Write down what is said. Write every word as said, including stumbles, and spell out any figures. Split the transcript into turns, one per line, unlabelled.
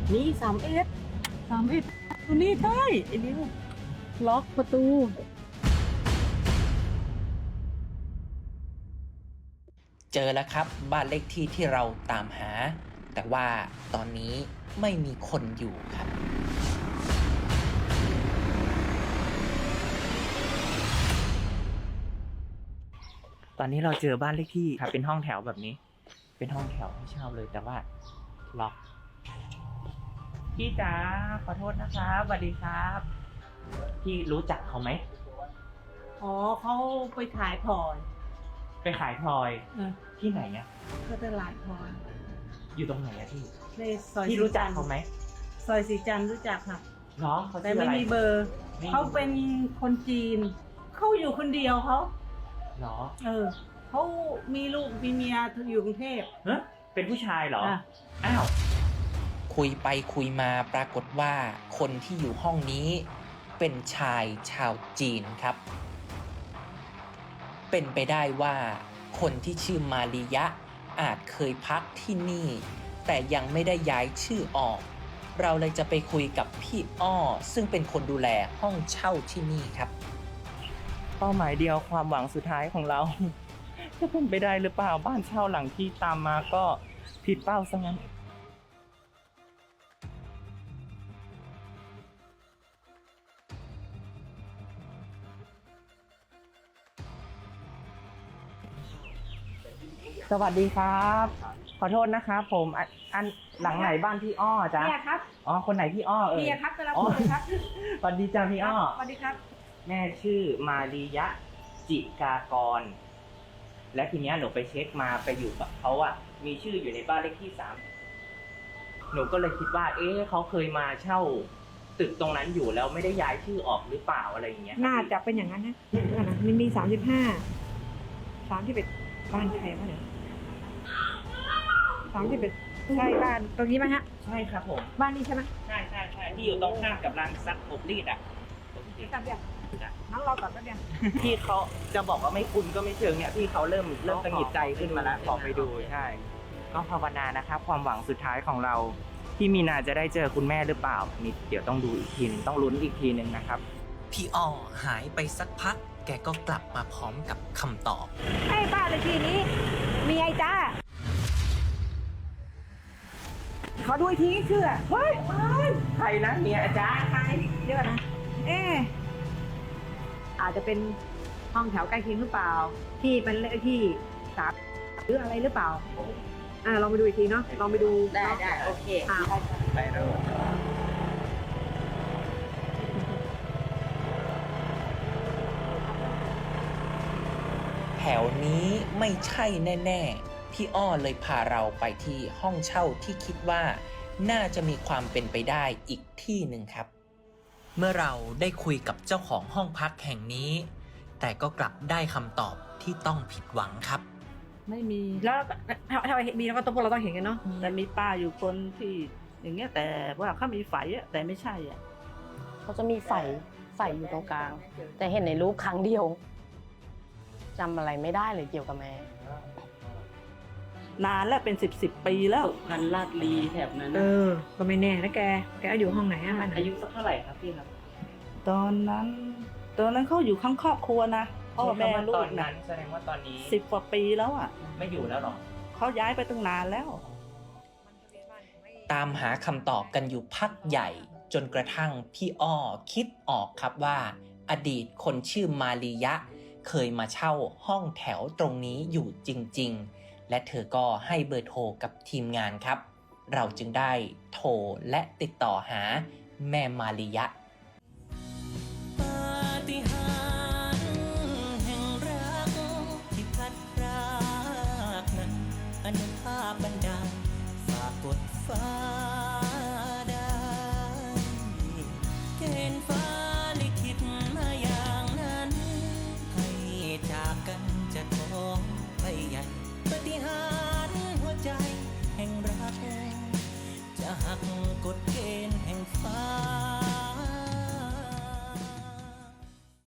นี่สามเอ็ดสามเอ็ดตัวนี้ได้ไอ้นี่ล็อกประตู
เจอแล้วครับบ้านเลขที่ที่เราตามหาแต่ว่าตอนนี้ไม่มีคนอยู่ครับตอนนี้เราเจอบ้านเลขที่ครับเป็นห้องแถวแบบนี้เป็นห้องแถวให้เช่าเลยแต่ว่าล็อกพี่จ๋าขอโทษนะครับสวัสดีครับพี่รู้จักเขาไหม
อ๋อเขาไปขายพลอย
ไปขายพลอย
เออ
ที่ไหนอะ
ก็ตลาดพลอย
อยู่ตรงไหนอะพี่
ในซอย
พี่รู้จักเขาไหม
ซอยสีจันทร์รู้จักค่ะ
เนาะเขา
แต่
ชื่อ
ไม่
อะไร
มีเบอร์
ไม่มี
เขาเป็นคนจีนเขาอยู่คนเดียวเขา
เนาะ
เออเขามีลูกมีเมียอยู่กรุงเทพ
เฮ้ยเป็นผู้ชายเหรอ
อ่ะ
อ้าวคุยไปคุยมาปรากฏว่าคนที่อยู่ห้องนี้เป็นชายชาวจีนครับ เป็นไปได้ว่าคนที่ชื่อมาริยะอาจเคยพักที่นี่ แต่ยังไม่ได้ย้ายชื่อออก เราเลยจะไปคุยกับพี่อ้อซึ่งเป็นคนดูแลห้องเช่าที่นี่ครับเป้าหมายเดียวความหวังสุดท้ายของเรา จะเป็นไปได้หรือเปล่าบ้านเช่าหลังที่ตามมาก็ผิดเป้าซะงั้นสวัสดีครับ ขอโทษนะครับผมอันอันหลังไหนบ้านพี่อ้อจ๊ะ
เนี่ยครับ
อ๋อคนไหนพี่อ้อเอ่ย
เนี่ยครับกำลังพูดเลยครับ
สวัสดีจ้าพี่อ้อ
สวัสดีครับ
แม่ชื่อมาริยะจิกากร และทีเนี้ยหนูไปเช็คมาไปอยู่กับเขาอะมีชื่ออยู่ในบ้านเลขที่สามหนูก็เลยคิดว่า เอ๊ะเขาเคยมาเช่า ตึกตรงนั้นอยู่แล้วไม่ได้ย้ายชื่อออกหรือเปล่าอะไรอย่างเงี้ย
น่าจะเป็นอย่างนั้นนะนั่นนะมันมีสามสิบห้าสามที่เป็นบ้านใครวะเนี่ยสามที่เป็นใช่บ้านตรงนี้ไหมฮะ
ใช่ครับผม
บ้านนี้ใช่ไหม
ใช่ใช่ใช่ที่อยู่ตรงข้ามกับร้านซักอบรีดอะ
เดี๋ยวกลับเดี๋ยวน้องรอก่อนแป๊บเดียว
ที่เขาจะบอกว่าไม่คุ้นก็ไม่เชิงเนี่ยที่เขาเริ่มเริ่มตังหงิดใจขึ้นมาแล้วขอไปดูใช่ ก็ภาวนานะครับ ความหวังสุดท้ายของเราที่มีนาจะได้เจอคุณแม่หรือเปล่านี่เดี๋ยวต้องดูอีกทีนึงต้องลุ้นอีกทีนึงนะครับพี่อ้อหายไปสักพัก แกก็กลับมาพร้อมกับคำตอบ
ไอ้บ้านเลขที่นี้ มีไอ้จ้าขอดูอีกทีเชื่อเฮ้ย
ใครนะเมียอาจารย์
ใครเดี๋ยวก่อนนะเอ๊ะอาจจะเป็นห้องแถวใกล้เคียงหรือเปล่า ที่เป็นเลขที่สามหรืออะไรหรือเปล่าอ่าลองไปดูอีกทีเนาะลองไปดู
ได้ได้โอเค
อ่า
ไปแล้ว แถวนี้ไม่ใช่แน่ๆพี่อ้อเลยพาเราไปที่ห้องเช่าที่คิดว่าน่าจะมีความเป็นไปได้อีกที่หนึ่งครับ เมื่อเราได้คุยกับเจ้าของห้องพักแห่งนี้ แต่ก็กลับได้คำตอบที่ต้องผิดหวังครับ
ไม่มี
แล้วถ้าถ้าเห็นมีแล้วก็ต้องพวกเราต้องเห็นกันเนาะ
แต่มีป้าอยู่คนที่อย่างเงี้ยแต่ว่าเขามีไฝอะแต่ไม่ใช่อ่ะ
เขาจะมีไฝไฝอยู่ตรงกลาง แต่เห็นในรูปครั้งเดียวจำอะไรไม่ได้เลยเกี่ยวกับแม่
นานแล้วเป็นสิบสิบปีแล้วพันลาดลีแถบนั้น
เอ
นะ
อ ก็ไม่แน่นะแก แกอยู่ห้องไหนอะมัน
อายุสักเท่าไหร่ครับพี่ครับ
ตอนนั้น ตอนนั้นเขาอยู่ข้างครอบครัวนะพ่อแม่ลู
ตอก น
นะ
นั้นแสดงว่าตอนนี้
สิบกว่าปีแล้วอ่ะ
ไม่อยู่แล้วหรอ
เขาย้ายไปตั้งนานแล้ว
ตามหาคำตอบกันอยู่พักใหญ่ จนกระทั่งพี่อ้อคิดออกครับว่า อดีตคนชื่อมาริยะ เคยมาเช่าห้องแถวตรงนี้อยู่จริงๆ และเธอก็ให้เบอร์โทรกับทีมงานครับ เราจึงได้โทรและติดต่อหาแม่มาริยะปาฏิหาริย์แห่งรักที่พัดพรากนั้นอนุภาพบัน